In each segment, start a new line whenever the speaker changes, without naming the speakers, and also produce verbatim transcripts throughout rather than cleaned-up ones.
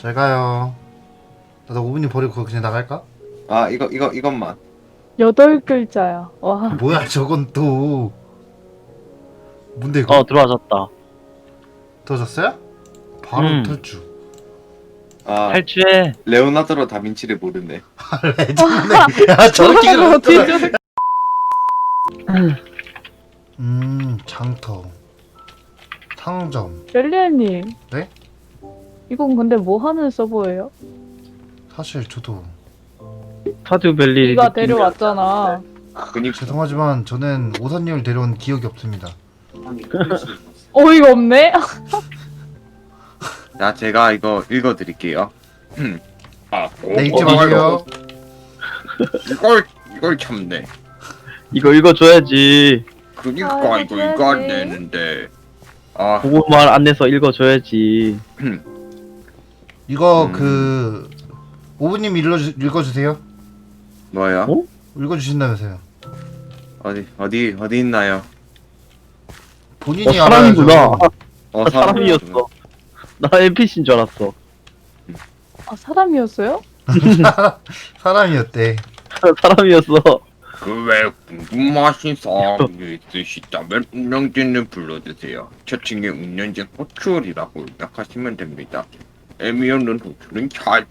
잘 가요. 나도 오 분이 버리고 그냥 나갈까?
아 이거 이거 이것만.
여덟 글자야. 와.
뭐야 저건 또 뭔데 이거?
어 들어와졌다.
터졌어요? 바로
음.
탈주.
아
탈주해.
레오나르도 다빈치를 모르네.
레전드네. 야 저렇게
저걸 어떻게
그렸어.
저렇게.
음 장터 상점.
렐리아님.
네?
이건 근데 뭐 하는 서버예요?
사실 저도
타듀밸리.
네가 데려왔잖아.
그니까
죄송하지만 저는 오사님을 데려온 기억이 없습니다.
어이가 없네.
자 제가 이거 읽어드릴게요. 아
네 잊지 마세요.
이걸 이걸 참네.
이거 읽어줘야지.
그니까
아,
이거
이거
이거 안
줘야지.
되는데. 아
보고만 안 내서 읽어줘야지.
이거
음.
그 오분님 읽어주, 읽어주세요.
뭐야?
어?
읽어주신다면서요.
어디 어디 어디 있나요?
본인이
어, 사람이구나.
알아야죠.
어
아, 사람이었어. 나 엔피씨인 줄 알았어.
아 사람이었어요?
사람이었대.
사람이었어.
그외 궁금하신 사항이 있으시다면 운영진을 불러주세요. 채팅에 운영진 호출이라고 입력하시면 됩니다. 애미 없는 호출은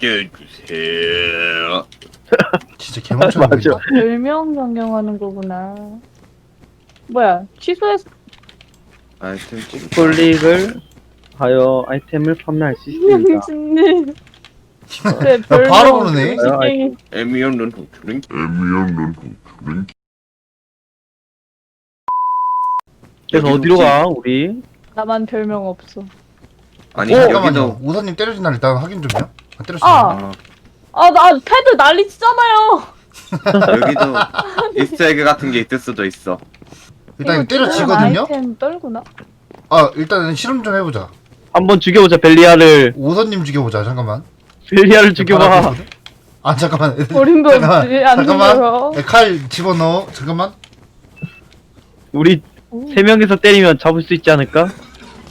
찾아주세요.
진짜 개멍청한 거
맞아.
있다.
별명 변경하는 거구나. 뭐야? 취소했.
아이템 찍.
클릭을 하여 아이템을 판매할 수 있습니다.
진님. 네,
야, 바로
별명
부르네.
음식이-
애미 없는 호출은
그래서
여기
어디로
혹시-
가 우리?
나만 별명 없어.
아니
어,
여기도
잠깐만요. 오사님 때려진 날 일단 확인 좀요. 아, 때렸어요.
아.
아,
아 나 패드 난리 치잖아요.
여기도 이스터에그 같은 게 있을 수도 있어.
일단 이거
이거
때려치거든요.
아이템 떨구나?
아 일단은 실험 좀 해보자.
한번 죽여보자 벨리아를.
오사님 죽여보자. 잠깐만.
벨리아를 죽여봐.
바라보거든? 아 잠깐만.
어림도
잠깐만.
없지. 안
잠깐만.
죽여요.
야, 칼 집어넣어. 잠깐만.
우리 세 명이서 때리면 잡을 수 있지 않을까?
아,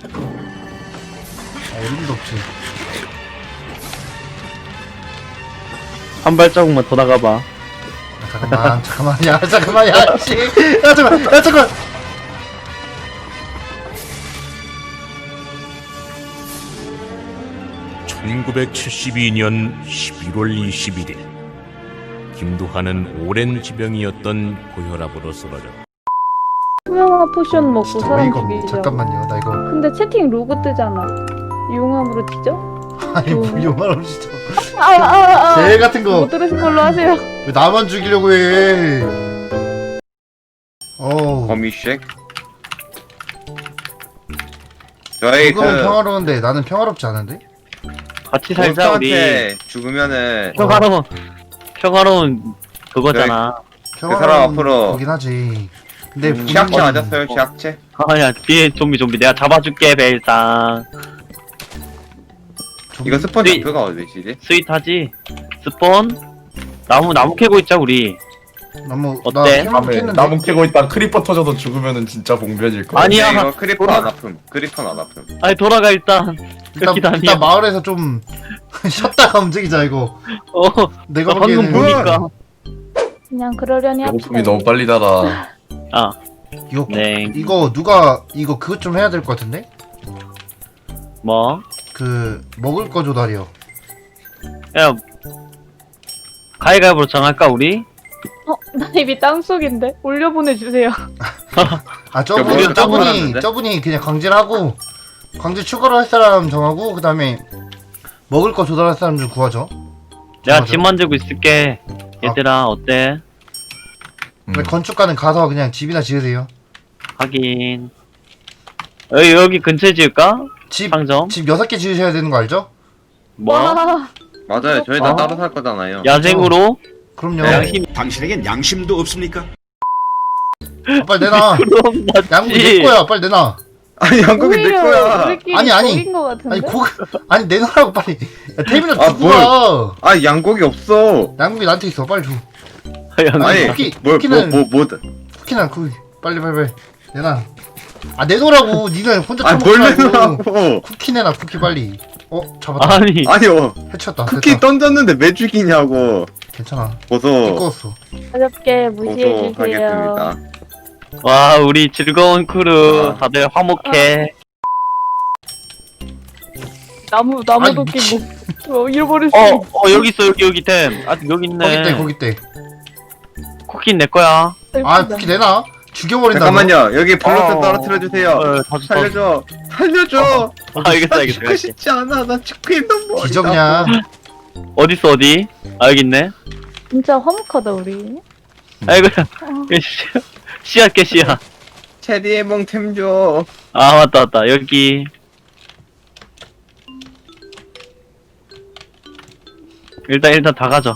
어림도 없지.
한 발자국만 더 나가봐.
야, 잠깐만. 잠깐만. 야 잠깐만. 야 씨. 야 잠깐만. 야 잠깐.
천구백칠십이 년 십일월 이십일 일 김두한은 오랜 지병이었던 고혈압으로 쓰러졌다.
투명화 포션 먹고
진짜
사람
어이가 없네.
죽이자.
잠깐만요. 나 이거
근데 채팅 로그 뜨잖아. 용암으로 뒤져?
아니 뭐 용말 없이 저.
아아아.
개 같은 거.
못 들으신 걸로 하세요.
왜 나만 죽이려고 해? 어우.
거미쉑. 저희 그
그건 평화로운데 나는 평화롭지 않은데?
같이 살자 우리.
몬스터한테 죽으면은
평화로운 평화로운 그거잖아.
평화로운
앞으로-
거긴 하지. 근데
음, 취약체
본인은-
맞았어요. 취약체.
아야 뒤에 좀비 좀비 내가 잡아줄게 벨상.
좀-
이거 스폰
네.
좌표가 어디시지?
스윗하지. 스폰. 나무 나무 캐고 있자 우리.
너무
어때?
나
다음에
생각했는데
나무 캐고 있다 크리퍼 터져서 죽으면은 진짜 봉변일 거야.
아니야.
네, 이거 크리퍼
돌아-
안 아픔. 크리퍼 안 아픔.
아니 돌아가 일단.
일단,
여기다 아니야.
일단 마을에서 좀 쉬었다가 움직이자 이거.
어.
내가
나 방금
보기에는
보니까.
그냥 그러려니
배고픔이 너무 빨리 달아.
아.
이거
네.
이거 누가 이거 그것 좀 해야 될 것 같은데?
뭐?
그 먹을 거 조달이요.
야. 가위가위보로 정할까 우리?
어, 나 입이 땅속인데 올려 보내주세요.
아
저거
저분이 저분이
따분하는데?
저분이 그냥 광질 하고 광질 추가로 할 사람 정하고 그 다음에 먹을 거 조달할 사람 좀 구하죠.
내가
정하죠.
집 만들고 있을게. 얘들아 어때?
음.
근데 건축가는 가서 그냥 집이나 지으세요.
하긴. 여기 여기 근처에 지을까?
집
상점.
집 여섯 개 지으셔야 되는 거 알죠?
뭐?
와.
맞아요. 저희 다
어?
따로 살 거잖아요.
야생으로?
그럼요.
네.
양심.
당신에겐 양심도 없습니까?
아, 빨리 내놔.
그럼
양국 내
맞지.
거야. 빨리 내놔.
아니 양고기 내
오히려
거야.
우리끼리
아니, 아니.
적인 거 같은데?
아니 고 아니 내놔라고 빨리. 야, 태민아
아,
주고 와.
아 양고기 없어.
양국이 나한테 있어. 빨리 줘.
양-
아니
쿠키,
뭘뭐뭐
쿠키는-
뭐, 뭐,
쿠키나 쿠키. 빨리 빨리 빨리. 내놔. 아 내놓으라고. 니는 혼자
아뭘
처먹지 말고.
내놓으라고.
쿠키 내놔. 쿠키 빨리. 어 잡았다.
아니
아니요.
해쳤다.
쿠키
됐다.
던졌는데 왜 죽이냐고.
괜찮아.
보소.
띠꺼웠어.
가볍게 무시해주세요.
보소하겠습니다.
와 우리 즐거운 크루
아.
다들 화목해.
나무 나무
아이,
도끼
미친.
뭐 어, 잃어버릴 수
어,
있어.
어 여기 있어 여기 여기 템. 아 여기 있네.
거기 때 거기 때.
쿠키 내 거야.
아 쿠키 내놔. 죽여버린다.
잠깐만요. 여기 블록좀
어.
떨어뜨려 주세요.
어, 다 줬다.
살려줘. 살려줘.
아, 알겠어,
나
알겠어,
죽고
알겠어.
싶지 않아. 나 죽고 있는 거.
기적냐?
어디 있어 어디? 아 여기 있네.
진짜 화목하다 우리.
아이고
어.
씨앗 개 씨앗.
체리의 몽템 줘.
아 맞다 맞다 여기. 일단 일단 다 가져.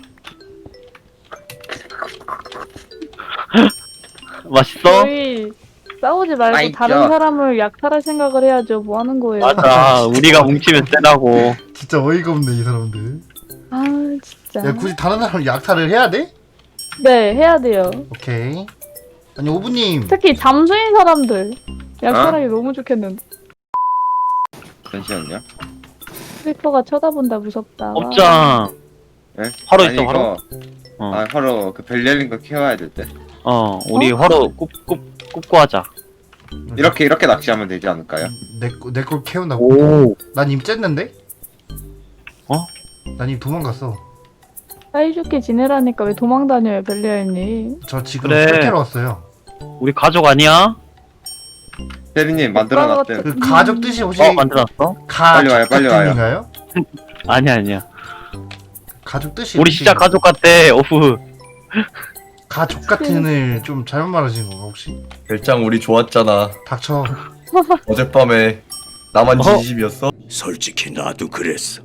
맛있어?
저희 싸우지 말고
아이,
다른
야.
사람을 약탈할 생각을 해야죠. 뭐 하는 거예요?
맞아. 우리가 뭉치면 세다고.
진짜 어이가 없네 이 사람들.
아 진짜.
야 굳이 다른 사람 약탈을 해야 돼?
네 해야 돼요.
오케이. 아니 오부님.
특히 잠수인 사람들 약탈하기 너무 좋겠는데.
잠시만요.
스리퍼가 쳐다본다 무섭다.
업장.
네?
화로
아니,
있어, 화로?
이거-
어.
아 화로 그 벨리알린 거 키워야 될 때.
어 우리
어?
화로 굽굽 굽고 하자.
이렇게 이렇게 낚시하면 되지 않을까요?
내내걸 캐운다고.
오.
난 이미 쨌는데?
어?
난 이미 도망갔어.
사이좋게 지내라니까 왜 도망다녀요 벨리아님.
저 지금
그래.
술 캐러 왔어요.
우리 가족 아니야?
체리님 만들어 놨대.
음.
그 가족 뜻이 혹시
어 만들었어?
빨리 와요,
가족
빨리 와요.
뜻인가요?
아니야 아니야.
가족 뜻이
우리
혹시
진짜 가족 같대. 오프.
가족 같은을 좀 잘못 말하신 건가 혹시?
별장 우리 좋았잖아.
닥쳐.
어젯밤에 나만
어?
진심이었어?
솔직히 나도 그랬어.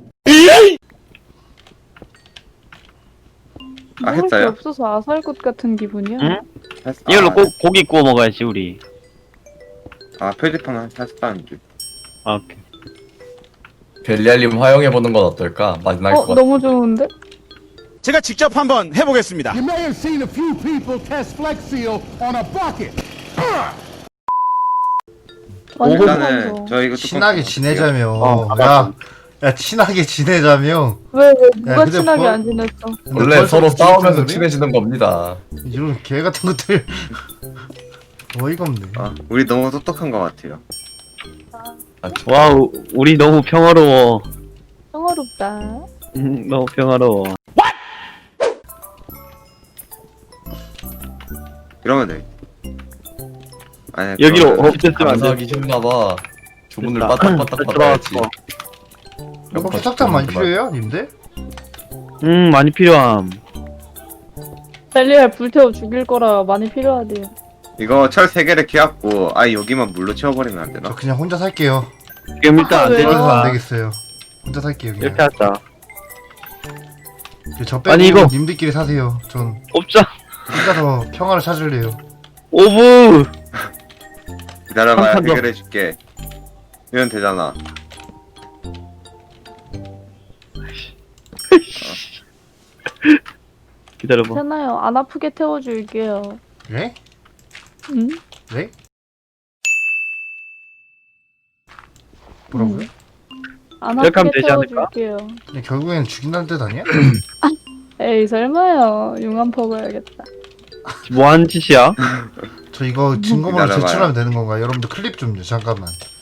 아,
먹을 게
했어요?
없어서 아살꽃 같은 기분이야.
응?
했-
이걸로
아,
꼭 고기 구워 먹어야지 우리.
아 표지판 했다는 줄.
아, 오케이.
벨리알님 화영해보는 건 어떨까? 만날
어
것 같아.
너무 좋은데?
제가 직접 한번 해보겠습니다.
You may have seen a few people test Flex Seal on a bucket.
완전
일단은
완성.
저 이거 뚜껑
친하게
닫아볼게요.
지내자며.
어,
야, 야 친하게 지내자며.
왜, 왜 누가
야, 근데
친하게
뭐-
안 지냈어?
근데
원래
벌써
서로
무슨
싸우면서
소리?
친해지는 겁니다.
이런 개 같은 것들. 어이가 없네.
아 우리 너무 똑똑한 것 같아요.
와우 우리 너무 평화로워.
평화롭다.
음, 너무 평화로워.
이러면 돼. 아니
여기로
그러면은-
없앴으면 안 돼.
감사하기 힘나봐. 주문을
됐다.
빠딱빠딱 받아야지.
들어왔어.
혹시 석탄 많이 필요해요, 님들?
음 많이 필요함.
벨리알 불태워 죽일 거라 많이 필요하대요.
이거 철 세 개를 키웠고 아예 여기만 물로 채워버리면 안
저
되나?
그냥 혼자 살게요.
지금 일단 안
왜요?
되니까
그래서 안 되겠어요. 혼자 살게요. 그냥.
이렇게 하자.
저 빼고
아니, 이거-
님들끼리 사세요. 전
업장.
혼자서 평화를 찾을래요.
오브.
기다려봐야
한판 더.
해결해줄게. 이러면 되잖아.
기다려봐.
괜찮아요. 안 아프게 태워줄게요.
네?
응?
네? 뭐라고요?
안
이렇게 하면
아프게
되지 않을까?
태워줄게요.
그냥 결국엔 죽인다는 뜻 아니야?
에이 설마요. 융합 퍼가야겠다.
뭐 하는 짓이야?
저 이거 증거물로
기다려봐요.
제출하면 되는 건가요? 여러분들 클립 좀요. 잠깐만.